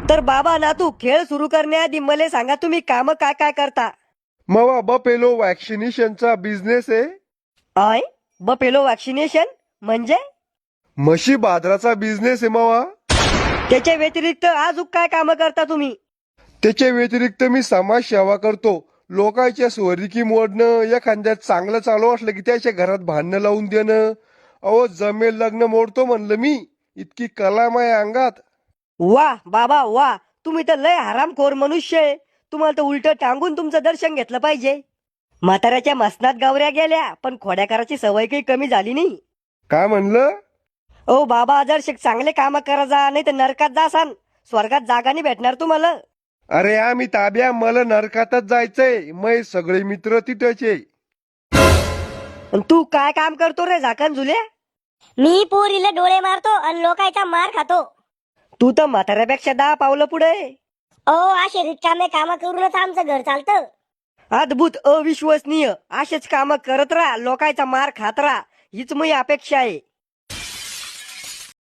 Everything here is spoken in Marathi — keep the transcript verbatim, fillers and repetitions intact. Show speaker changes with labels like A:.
A: तर बाबा ना तू खेळ सुरू करण्याआधी मला सांगा तुम्ही काम काय काय करता.
B: मवा बपेलो वॅक्सिनेशनचा बिझनेस आहे.
A: आय बपेलो वॅक्सिनेशन म्हणजे
B: म्हशी बाजाराचा बिझनेस आहे मावा.
A: त्याच्या व्यतिरिक्त अजून काय काम करता तुम्ही.
B: त्याच्या व्यतिरिक्त मी समाज सेवा करतो. लोकांच्या स्वरिकी मोडणं, एखाद्यात चांगलं चालू असलं की त्याच्या घरात भांडणं लावून देणं. अहो जमेल लग्न मोडतो म्हणलं मी. इतकी कला माझ्या अंगात.
A: वा बाबा वा, तुम्ही तर लय हरामखोर मनुष्य आहे. तुम्हाला तर उलट टांगून तुमचं दर्शन घेतलं पाहिजे. म्हाताऱ्याच्या मसनात गावऱ्या गेल्या पण खोड्या करायची सवय काही कमी झाली नाही.
B: काय म्हणलं?
A: ओ बाबा जर शिक चांगले काम करा जा, नाही तर नरकात जासान. स्वर्गात जागा नाही भेटणार तुम्हाला.
B: अरे आम्ही ताब्या, मला नरकातच जायचंय. मै सगळे मित्र तिथेचे.
A: अन तू काय काम करतो रे झाकण झुल्या.
C: मी पोरीला डोळे मारतो आणि लोकांचा मार खातो.
A: तू तर म्हाताऱ्यापेक्षा दहा पावलं पुढे.
C: अहो असे रिकामे काम करूनच आमचं घर चालतं.
A: अद्भुत, अविश्वसनीय. असेच काम करत राहा, लोकांचा मार खात राहा, हीच मी अपेक्षा आहे.